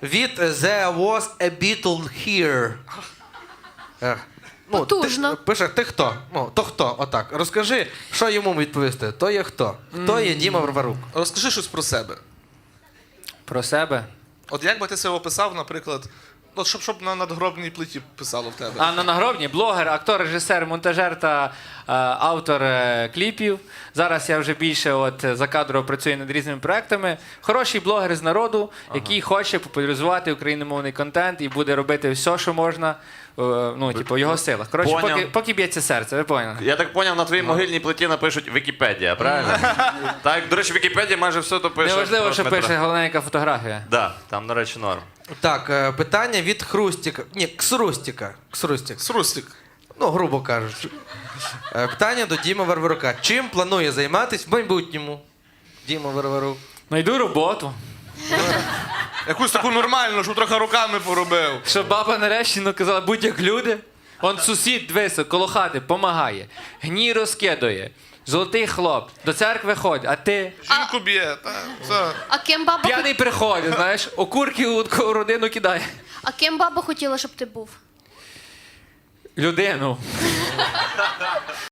від There was a Beatle here. Потужно. Пише, ти хто? Ну, то хто? Отак. Розкажи, що йому відповісти. То є хто? Хто є Діма Варварук? Розкажи щось про себе. Про себе? От як би ти себе описав, наприклад, от щоб на надгробній плиті писало в тебе. А на нагробні блогер, актор, режисер, монтажер та автор кліпів. Зараз я вже більше закадрово працюю над різними проектами. Хороший блогер з народу, який хоче популяризувати україномовний контент і буде робити все, що можна, в його силах. Коротше, поки б'ється серце, ви поняли? Я так поняв, на твоїй могильній плиті напишуть Вікіпедія, правильно? Так, до речі, в Вікіпедії майже все то пише. Неважливо, про що Дмитра. пише, головне, яка фотографія. Да, там, до речі, норм. Так, питання від Хрустіка. Ні, Ксрустіка. Срустик. Ну, грубо кажучи. Питання до Діми Варварука. Чим планує займатися в майбутньому Діма Варварук? Найду роботу. Якусь таку нормальну, щоб трохи руками поробив. Щоб баба нарешті казала, будь як люди. Он сусід, дивися, коло хати, помагає. Гній розкидує. Золотий хлоп. До церкви ходить, а ти? Жінку б'є, все. А ким баба, П'яний приходить, знаєш, окурки у таку родину кидає. а ким баба хотіла, щоб ти був? Людину.